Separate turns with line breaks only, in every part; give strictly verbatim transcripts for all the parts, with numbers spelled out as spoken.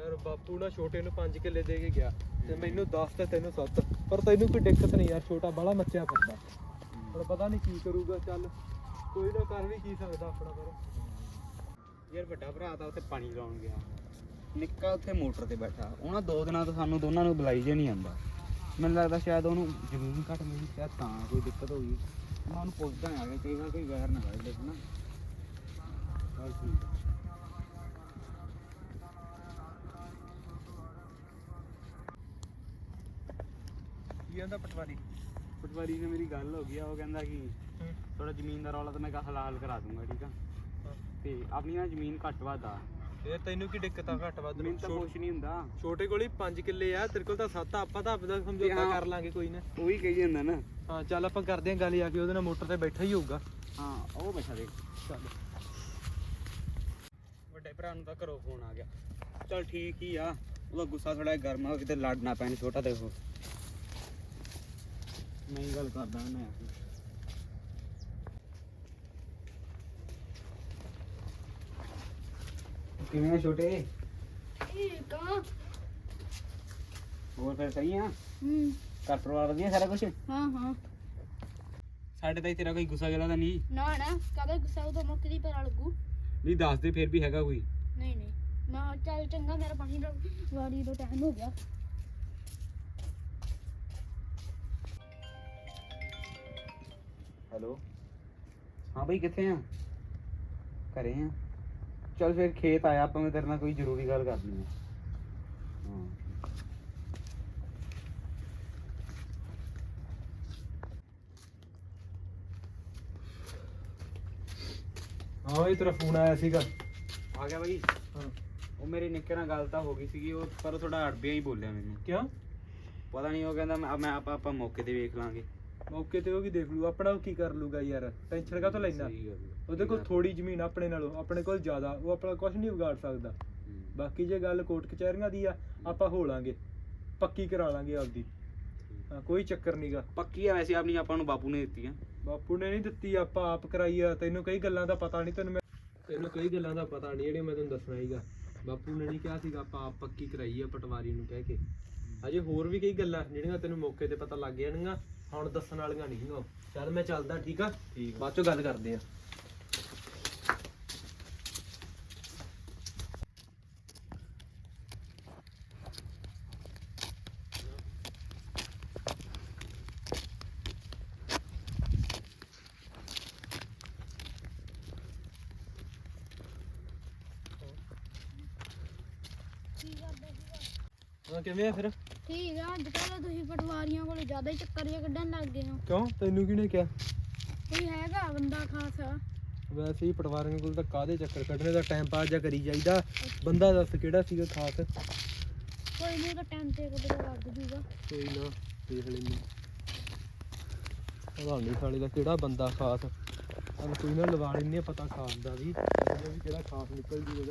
ਯਾਰ ਬਾਪੂ ਨਾ ਛੋਟੇ ਨੂੰ ਪੰਜ ਕਿੱਲੇ ਦੇ ਕੇ ਗਿਆ ਤੇ ਮੈਨੂੰ ਦਸ ਤੇ ਤੈਨੂੰ ਸੱਤ, ਪਰ ਤੈਨੂੰ ਕੋਈ ਦਿੱਕਤ ਨਹੀਂ ਯਾਰ, ਛੋਟਾ ਬਾਹਲਾ ਮੱਚਿਆ ਫਿਰਦਾ, ਪਰ ਪਤਾ ਨਹੀਂ ਕੀ ਕਰੂਗਾ। ਚੱਲ ਕੋਈ ਨਾ, ਕਰ ਵੀ ਕੀ ਸਕਦਾ ਆਪਣਾ। ਪਰ
ਯਾਰ ਵੱਡਾ ਭਰਾ ਤਾਂ ਉੱਥੇ ਪਾਣੀ ਲਾਉਣ ਗਿਆ, ਨਿੱਕਾ ਉੱਥੇ ਮੋਟਰ ਤੇ ਬੈਠਾ। ਉਹਨਾਂ ਦੋ ਦਿਨਾਂ ਤੋਂ ਸਾਨੂੰ ਦੋਨਾਂ ਨੂੰ ਬੁਲਾਈ ਜੇ ਨਹੀਂ ਆਉਂਦਾ। ਮੈਨੂੰ ਲੱਗਦਾ ਸ਼ਾਇਦ ਉਹਨੂੰ ਜ਼ਮੀਨ ਘੱਟ ਮਿਲੀ, ਸ਼ਾਇਦ ਤਾਂ ਕੋਈ ਦਿੱਕਤ ਹੋ ਗਈ। ਮੈਂ ਉਹਨੂੰ ਪੁੱਛਦਾ ਆ ਗਿਆ, ਕਈ ਵਾਰ ਕੋਈ ਵੈਰ ਨਾ ਵੱਢ ਦੇ ਨਾ। ਚੱਲ ਠੀਕ ਆ।
ਕੀ ਕਹਿੰਦਾ ਪਟਵਾਰੀ?
ਪਟਵਾਰੀ ਨਾਲ ਮੇਰੀ ਗੱਲ ਹੋ ਗਈ ਆ, ਉਹ ਕਹਿੰਦਾ ਕਿ ਥੋੜਾ ਜ਼ਮੀਨ ਦਾ ਰੌਲਾ ਤਾਂ ਮੈਂ ਕਿਹਾ ਹਲਾਲ ਕਰਾ ਦੂੰਗਾ, ਠੀਕ ਆ। ਤੇ ਆਪਣੀ ਨਾ ਜ਼ਮੀਨ ਘੱਟ ਵੱਧ ਆ।
ਫੇਰ ਤੈਨੂੰ ਕੀ ਦਿੱਕਤ ਆ ਘੱਟ ਵੱਧ?
ਮੈਨੂੰ ਤਾਂ ਕੁਛ ਨਹੀਂ ਹੁੰਦਾ।
ਛੋਟੇ ਕੋਲ ਹੀ ਪੰਜ ਕਿੱਲੇ ਆ, ਤੇਰੇ ਕੋਲ ਤਾਂ ਸੱਤ ਆ। ਆਪਾਂ ਤਾਂ ਆਪਦਾ ਸਮਝੌਤਾ ਕਰ ਲਾਂਗੇ ਕੋਈ ਨਾ।
ਉਹ ਵੀ ਕਹੀ ਜਾਂਦਾ ਨਾ।
ਹਾਂ ਚੱਲ ਆਪਾਂ ਕਰਦੇ ਆਂ ਗੱਲ, ਆ ਕੇ ਉਹਦੇ ਨਾਲ ਮੋਟਰ ਤੇ ਬੈਠਾ ਹੀ ਹੋਊਗਾ।
ਹਾਂ ਉਹ ਬੈਠਾ ਦੇਖ।
ਚੱਲ
ਵੱਡੇ ਭਰਾ ਨੂੰ ਤਾਂ ਘਰੋਂ ਫੋਨ ਆ ਗਿਆ। ਚੱਲ ਠੀਕ ਹੀ ਆ, ਉਹਦਾ ਗੁੱਸਾ ਥੋੜਾ ਗਰਮ ਆ, ਕਿਤੇ ਲੜ ਨਾ ਪੈਣ ਛੋਟਾ ਤੇ ਉਹ। ਨਹੀਂ ਗੱਲ ਕਰਦਾ ਮੈਂ। ਕਿਵੇਂ ਆ ਛੋਟੇ?
ਠੀਕ ਆ।
ਹੋਰ ਫਿਰ ਸਹੀ ਆ?
ਹੂੰ।
ਘਰ ਪਰਿਵਾਰ ਵਧੀਆ ਸਾਰਾ ਕੁਝ?
ਹਾਂ ਹਾਂ।
ਸਾਡੇ ਤਾਂ ਤੇਰਾ ਕੋਈ ਗੁੱਸਾ ਗਿਲਾ ਤਾਂ ਨਹੀਂ?
ਨਾ ਨਾ, ਕਾਹਦਾ ਗੁੱਸਾ? ਉਹ ਤਾਂ ਮੁੱਕ ਦੀ ਪਤਾ ਲੱਗੂ।
ਨਹੀਂ ਦੱਸ ਦੇ ਫਿਰ ਵੀ ਹੈਗਾ ਕੋਈ?
ਨਹੀਂ ਨਹੀਂ ਨਾ, ਚੱਲ ਚੰਗਾ, ਮੇਰਾ ਪਾਣੀ ਦਾ ਵਾਰੀ ਦਾ ਟਾਈਮ ਹੋ ਗਿਆ।
ਹੈਲੋ, ਹਾਂ ਬਈ ਕਿੱਥੇ ਆ? ਘਰੇ ਆ। ਚੱਲ ਫਿਰ ਖੇਤ ਆਇਆ ਆਪਾਂ, ਮੈਂ ਤੇਰੇ ਨਾਲ ਕੋਈ ਜ਼ਰੂਰੀ ਗੱਲ ਕਰਨੀ ਆ। ਹਾਂ
ਹਾਂ ਬਈ ਤੇਰਾ ਫੋਨ ਆਇਆ ਸੀਗਾ।
ਆ ਗਿਆ ਬਈ।
ਹਾਂ
ਉਹ ਮੇਰੇ ਨਿੱਕੇ ਨਾਲ ਗੱਲ ਤਾਂ ਹੋ ਗਈ ਸੀਗੀ, ਉਹ ਪਰ ਥੋੜਾ ਅੜਬਿਆ ਹੀ ਬੋਲਿਆ ਮੈਨੂੰ।
ਕਿਉਂ?
ਪਤਾ ਨਹੀਂ, ਉਹ ਕਹਿੰਦਾ ਮੈਂ ਮੈਂ ਆਪਾਂ ਆਪਾਂ ਮੌਕੇ ਤੇ ਵੇਖ ਲਾਂਗੇ।
ਮੌਕੇ ਤੇ ਉਹ ਕੀ ਦੇਖ ਲੂ, ਆਪਣਾ ਉਹ ਕੀ ਕਰ ਲੂਗਾ ਯਾਰ, ਟੈਨਸ਼ਨ ਕਾਹਤੋਂ ਲੈਣਾ?
ਸਹੀ ਗੱਲ ਆ।
ਉਹਦੇ ਕੋਲ ਥੋੜੀ ਜ਼ਮੀਨ ਆਪਣੇ ਨਾਲੋਂ, ਆਪਣੇ ਕੋਲ ਜ਼ਿਆਦਾ, ਉਹ ਆਪਣਾ ਕੁਝ ਨਹੀਂ ਵਿਗਾੜ ਸਕਦਾ।
ਹੂੰ।
ਬਾਕੀ ਜੇ ਗੱਲ ਕੋਰਟ ਕਚਹਿਰੀਆਂ ਦੀ ਆ, ਆਪਾਂ ਹੋ ਲਾਂਗੇ, ਪੱਕੀ ਕਰਾ ਲਾਂਗੇ ਆਪਦੀ। ਹਾਂ ਕੋਈ ਚੱਕਰ ਨਹੀਂਗਾ।
ਪੱਕੀ ਆ ਵੈਸੇ ਆਪਣੀ, ਆਪਾਂ ਨੂੰ ਬਾਪੂ ਨੇ ਦਿੱਤੀ ਆ।
ਬਾਪੂ ਨੇ ਨਹੀਂ ਦਿੱਤੀ, ਆਪਾਂ ਆਪ ਕਰਾਈ ਆ। ਤੈਨੂੰ ਕਈ ਗੱਲਾਂ ਦਾ ਪਤਾ ਨਹੀਂ, ਤੈਨੂੰ ਮੈਂ ਤੈਨੂੰ ਕਈ ਗੱਲਾਂ ਦਾ ਪਤਾ ਨਹੀਂ ਜਿਹੜੀਆਂ ਮੈਂ ਤੈਨੂੰ ਦੱਸਣਾ ਹੀਗਾ। ਬਾਪੂ ਨੇ ਨਹੀਂ ਕਿਹਾ ਸੀਗਾ, ਆਪਾਂ ਆਪ ਪੱਕੀ ਕਰਾਈ ਆ ਪਟਵਾਰੀ ਨੂੰ ਕਹਿ ਕੇ। ਅਜੇ ਹੋਰ ਵੀ ਕਈ ਗੱਲਾਂ ਜਿਹੜੀਆਂ ਤੈਨੂੰ ਮੌਕੇ ਤੇ ਪਤਾ ਲੱਗ ਜਾਣਗੀਆਂ, ਹੁਣ ਦੱਸਣ ਵਾਲੀਆਂ ਨਹੀਂ ਹੈਗੀਆਂ। ਚੱਲ ਮੈਂ ਚੱਲਦਾ, ਠੀਕ ਆ?
ਠੀਕ।
ਬਾਅਦ ਚੋਂ ਗੱਲ ਕਰਦੇ ਆ।
ਕੀ ਕਰਦੇ ਸੀਗਾ?
ਹਾਂ ਕਿਵੇਂ ਆ ਫਿਰ?
ਠੀਕ ਆ। ਅੱਜ ਕੱਲ੍ਹ ਤੁਸੀਂ ਪਟਵਾਰੀਆਂ ਕੋਲ ਜ਼ਿਆਦਾ ਹੀ ਚੱਕਰ ਜਿਹਾ ਕੱਢਣ ਲੱਗ ਗਏ ਹੋ।
ਕਿਉਂ, ਤੈਨੂੰ ਕਿਹਨੇ ਕਿਹਾ?
ਕੋਈ ਹੈਗਾ ਬੰਦਾ ਖਾਸ?
ਵੈਸੇ ਹੀ ਪਟਵਾਰੀਆਂ ਕੋਲ ਤਾਂ ਕਾਹਦੇ ਚੱਕਰ ਕੱਢਣੇ ਦਾ, ਟਾਈਮ ਪਾਸ ਜਾਂ ਕਰੀ ਜਾਈਦਾ। ਬੰਦਾ ਦੱਸ ਕਿਹੜਾ ਸੀਗਾ ਖਾਸ?
ਕੋਈ ਨਹੀਂ, ਉਹਦਾ ਟਾਈਮ ਤੇ ਕਦੇ ਲੱਗ ਜੂਗਾ।
ਕੋਈ ਨਾ ਦੇਖ ਲੈਂਦੇ। ਪਤਾ ਨਹੀਂ ਸਾਲੇ ਦਾ ਕਿਹੜਾ ਬੰਦਾ ਖਾਸ। ਚੱਲ ਕੋਈ ਨਾ ਲਵਾ ਲੈਂਦੇ ਆ ਪਤਾ ਖਾਸ ਦਾ ਵੀ, ਇਹਦਾ ਵੀ ਕਿਹੜਾ ਖਾਸ ਨਿਕਲ ਜੂਗਾ।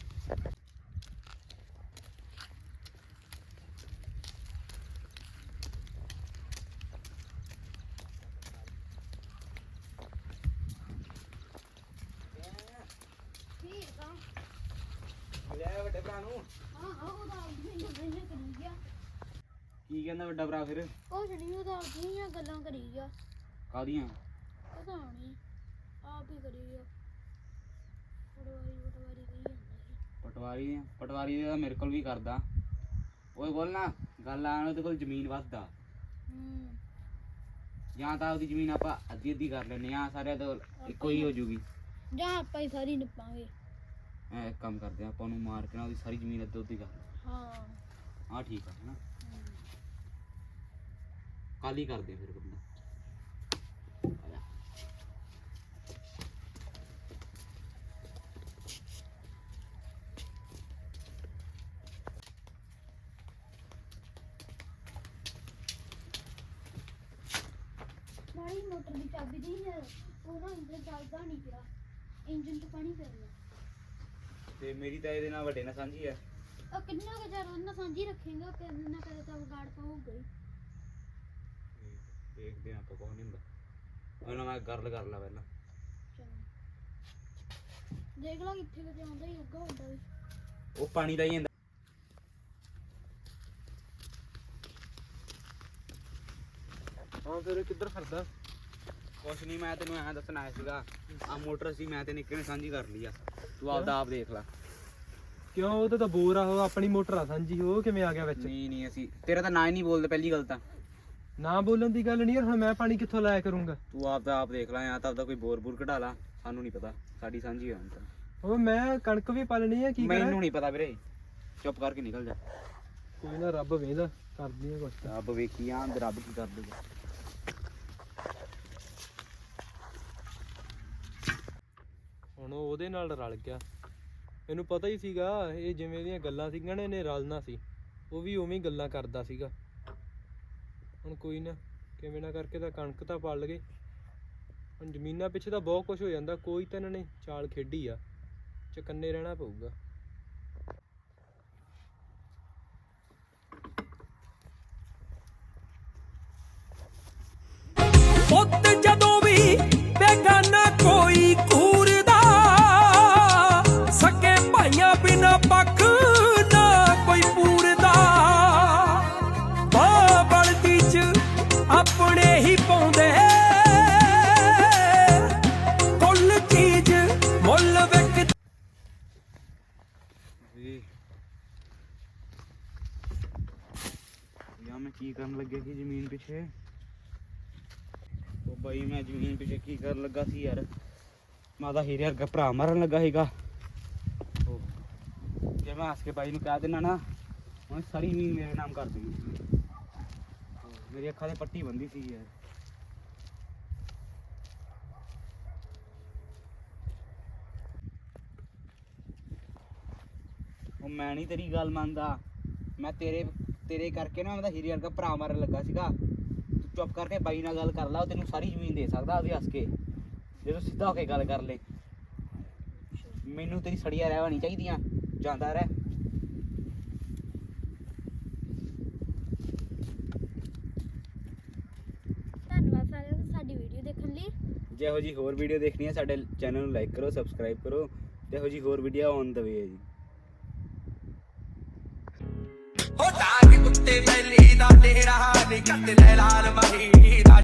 ਠੀਕ ਆ।
ਲੈ ਵੱਡੇ ਭਰਾ ਨੂੰ।
ਹਾਂ ਹਾਂ, ਉਹਦਾ ਮੈਨੂੰ ਨਹੀਂ ਕਰੀ ਗਿਆ।
ਕੀ ਕਹਿੰਦਾ ਵੱਡਾ ਭਰਾ ਫਿਰ?
ਕੁਛ ਨਹੀਂ, ਉਹਦਾ ਕਿਹੜੀਆਂ ਗੱਲਾਂ ਕਰੀ ਗਿਆ।
ਕਾਹਦੀਆਂ?
ਪਤਾ ਨਹੀਂ, ਆਪ ਹੀ ਕਰੀ ਗਿਆ। ਪਟਵਾਰੀ ਪਟਵਾਰੀ ਕਹੀ ਜਾਂਦਾ ਸੀ।
ਪਟਵਾਰੀ ਪਟਵਾਰੀ ਦਾ ਮੇਰੇ ਕੋਲ ਵੀ ਕਰਦਾ। ਉਹ ਬੋਲ ਨਾ ਗੱਲ ਆਣ, ਉਹਦੇ ਕੋਲ ਜ਼ਮੀਨ ਵੱਧਦਾ।
ਹੂੰ।
ਜਾਂ ਤਾਂ ਉਹਦੀ ਜ਼ਮੀਨ ਆਪਾਂ ਅੱਧੀ ਅੱਧੀ ਕਰ ਲੈਂਦੇ ਆ, ਸਾਰਿਆਂ ਤੋਂ ਇੱਕੋ ਹੀ ਹੋ ਜੂਗੀ।
ਜਾਂ ਆਪਾਂ ਹੀ ਸਾਰੀ ਨਿਪਾਂਗੇ।
ਐ ਇੱਕ ਕੰਮ ਕਰਦੇ ਆ, ਆਪਾਂ ਉਹਨੂੰ ਮਾਰ ਕੇ ਨਾ ਉਹਦੀ ਸਾਰੀ ਜ਼ਮੀਨ ਅੱਧੋ ਅੱਧੀ ਕਰ ਲਓ।
ਹਾਂ।
ਹਾਂ ਠੀਕ ਆ ਹਨਾ, ਕੱਲ ਹੀ ਕਰਦੇ ਆ ਫਿਰ ਬੰਦਾ। ਆ ਜਾ।
ਮਾਰੀ ਮੋਟਰ ਦੀ ਚਾਬੀ ਦੀ ਯਾਰ, ਉਹ ਨਾ ਇੰਜਨ ਚੱਲਦਾ ਨਹੀਂ ਪਿਆ, ਇੰਜਨ 'ਚ ਪਾਣੀ ਪੈ ਗਿਆ।
ਤੇ ਮੇਰੀ ਤਾਂ ਇਹਦੇ ਨਾਲ ਵੱਡੇ ਨਾਲ ਸਾਂਝੀ ਆ।
ਉਹ ਕਿੰਨਾ ਕੁ ਚਿਰ ਉਹਨਾਂ ਸਾਂਝੀ ਰੱਖੇਗਾ, ਕਦੇ ਨਾ ਕਦੇ ਤਾਂ ਵਿਗਾੜ ਪਾਊਗਾ ਹੀ।
ਦੇਖਦੇ ਆ ਆਪਾਂ, ਕੁਛ ਨਹੀਂ ਹੁੰਦਾ। ਉਹਨਾਂ ਮੈਂ ਗੱਲ ਕਰ ਲਾ ਪਹਿਲਾਂ।
ਚੰਗਾ, ਦੇਖ ਲਾ ਕਿੱਥੇ ਕਿਤੇ ਆਉਂਦਾ ਹੀ ਹੋਊਗਾ ਹੁੰਦਾ ਵੀ।
ਉਹ ਪਾਣੀ ਦਾ ਹੀ ਹੁੰਦਾ।
ਹਾਂ ਫਿਰ ਕਿੱਧਰ ਫਿਰਦਾ?
ਕੁਛ ਨਹੀਂ, ਮੈਂ ਤੈਨੂੰ ਐਂ ਦੱਸਣ ਆਇਆ ਸੀਗਾ, ਆ ਮੋਟਰ ਸੀ ਮੈਂ ਤੇ ਨਿੱਕੇ ਨੇ ਸਾਂਝੀ ਕਰ ਲਈ ਆ, ਤੂੰ ਆਪਦਾ ਆਪ ਦੇਖ ਲੈ।
ਕਿਉਂ? ਉਹ ਤਾਂ ਬੋਰ ਆ, ਉਹ ਆਪਣੀ ਮੋਟਰ ਆ ਸਾਂਝੀ, ਉਹ ਕਿਵੇਂ ਆ ਗਿਆ ਵਿੱਚ?
ਨਹੀਂ ਨਹੀਂ ਅਸੀਂ ਤੇਰਾ ਤਾਂ ਨਾਂ ਹੀ ਨਹੀਂ ਬੋਲਦੇ ਪਹਿਲੀ ਗੱਲ ਤਾਂ।
ਨਾ ਬੋਲਣ ਦੀ ਗੱਲ ਨਹੀਂ ਯਾਰ, ਹੁਣ ਮੈਂ ਪਾਣੀ ਕਿੱਥੋਂ ਲਾਇਆ ਕਰੂੰਗਾ?
ਤੂੰ ਆਪਦਾ ਆਪ ਦੇਖ ਲੈ, ਜਾਂ ਤਾਂ ਆਪਦਾ ਕੋਈ ਬੋਰ ਬੂਰ ਕਢਾ ਲਾ, ਸਾਨੂੰ ਨਹੀਂ ਪਤਾ, ਸਾਡੀ ਸਾਂਝੀ ਹੋਣ ਤਾਂ।
ਉਹ ਮੈਂ ਕਣਕ ਵੀ ਪਾਲਣੀ ਆ, ਕੀ ਕਰਾਂ?
ਮੈਨੂੰ ਨਹੀਂ ਪਤਾ ਵੀਰੇ, ਚੁੱਪ ਕਰਕੇ ਨਿਕਲ ਜਾ।
ਕੋਈ ਨਾ, ਰੱਬ ਵੇਂਦਾ ਕਰਦੀ ਆ ਕੁਛ ਤਾਂ।
ਰੱਬ ਵੇਖੀ ਆਂ ਤੇ ਰੱਬ ਕੀ ਕਰ ਦੂਗਾ।
ਹੁਣ ਉਹ ਉਹਦੇ ਨਾਲ ਰਲ ਗਿਆ, ਮੈਨੂੰ ਪਤਾ ਹੀ ਸੀਗਾ ਇਹ ਜਿਵੇਂ ਦੀਆਂ ਗੱਲਾਂ ਸੀਗੀਆਂ ਨਾ ਇਹਨੇ ਰਲਣਾ ਸੀ, ਉਹ ਵੀ ਉਵੇਂ ਹੀ ਗੱਲਾਂ ਕਰਦਾ ਸੀਗਾ। ਹੁਣ ਕੋਈ ਨਾ, ਕਿਵੇਂ ਨਾ ਕਰਕੇ ਤਾਂ ਕਣਕ ਤਾਂ ਪਾਲ ਗਏ, ਹੁਣ ਜ਼ਮੀਨਾਂ ਪਿੱਛੇ ਤਾਂ ਬਹੁਤ ਕੁਝ ਹੋ ਜਾਂਦਾ, ਕੋਈ ਤਾਂ ਇਹਨਾਂ ਨੇ ਚਾਲ ਖੇਡੀ ਆ, ਚਕੰਨੇ ਰਹਿਣਾ ਪਊਗਾ।
ਪੁੱਤ ਜਦੋਂ ਵੀ ਬੇਗਾਨਾ ਕੋਈ ਘੂਰਦਾ, ਸਕੇ ਭਾਈਆਂ ਬਿਨਾ ਪੱਖ ਨਾ ਕੋਈ ਪੂਰਦਾ, ਮਾਂ ਬਲਦੀ ਚ ਆਪਣੇ ਹੀ ਪਾਉਂਦੇ ਕੁੱਲ ਚੀਜ਼ ਮੁੱਲ ਵਿਕ।
ਯਾਰ ਮੈਂ ਕੀ ਕਰਨ ਲੱਗਿਆ ਸੀ ਜ਼ਮੀਨ ਪਿੱਛੇ? ਉਹ ਬਾਈ ਮੈਂ ਜ਼ਮੀਨ ਪਿੱਛੇ ਕੀ ਕਰਨ ਲੱਗਾ ਸੀ ਯਾਰ, ਮੈਂ ਤਾਂ ਹੀਰੇ ਵਰਗਾ ਭਰਾ ਮਾਰਨ ਲੱਗਾ ਸੀਗਾ। ਉਹ ਜੇ ਮੈਂ ਹੱਸ ਕੇ ਬਾਈ ਨੂੰ ਕਹਿ ਦੇਣਾ ਨਾ, ਉਹਨੇ ਸਾਰੀ ਜ਼ਮੀਨ ਮੇਰੇ ਨਾਮ ਕਰ ਦੇਣੀ। ਮੇਰੀ ਅੱਖਾਂ ਤੇ ਪੱਟੀ ਬੰਦੀ ਸੀ ਯਾਰ। ਉਹ ਮੈਂ ਨਹੀਂ ਤੇਰੀ ਗੱਲ ਮੰਨਦਾ, ਮੈਂ ਤੇਰੇ ਤੇਰੇ ਕਰਕੇ ਨਾ ਮੈਂ ਤਾਂ ਹੀਰੇ ਵਰਗਾ ਭਰਾ ਮਾਰਨ ਲੱਗਾ ਸੀਗਾ। ਤੂੰ ਚੁੱਪ ਕਰਕੇ ਬਾਈ ਨਾਲ ਗੱਲ ਕਰ ਲਾ, ਉਹ ਤੈਨੂੰ ਸਾਰੀ ਜ਼ਮੀਨ ਦੇ ਸਕਦਾ ਉਹਦੇ ਹੱਸ ਕੇ, ਜੇ ਤੂੰ ਸਿੱਧਾ ਹੋ ਕੇ ਗੱਲ ਕਰ ਲੈ। ਮੈਨੂੰ ਤੇਰੀ ਸੜੀਆਂ ਰਹਿ ਹੋਣੀ ਚਾਹੀਦੀਆਂ, ਜਾਂਦਾ ਰਹਿ।
ਧੰਨਵਾਦ ਸਾਰਿਆਂ ਦਾ ਸਾਡੀ ਵੀਡੀਓ ਦੇਖਣ ਲਈ।
ਜੇ ਇਹੋ ਜਿਹੀ ਹੋਰ ਵੀਡੀਓ ਦੇਖਣੀ ਹੈ ਸਾਡੇ ਚੈਨਲ ਨੂੰ ਲਾਈਕ ਕਰੋ, ਸਬਸਕ੍ਰਾਈਬ ਕਰੋ, ਤੇ ਇਹੋ ਜਿਹੀ ਹੋਰ ਵੀਡੀਓ ਔਨ ਦ ਵੇ ਹੈ ਜੀ।
ਹੋ ਡਾਂਗ ਕੁੱਤੇ ਬੈਲੀ ਦਾ ਡੇਰਾ, ਨੀ ਕੱਟ ਲੈ ਲਾਲ ਮਹੀ ਦਾ।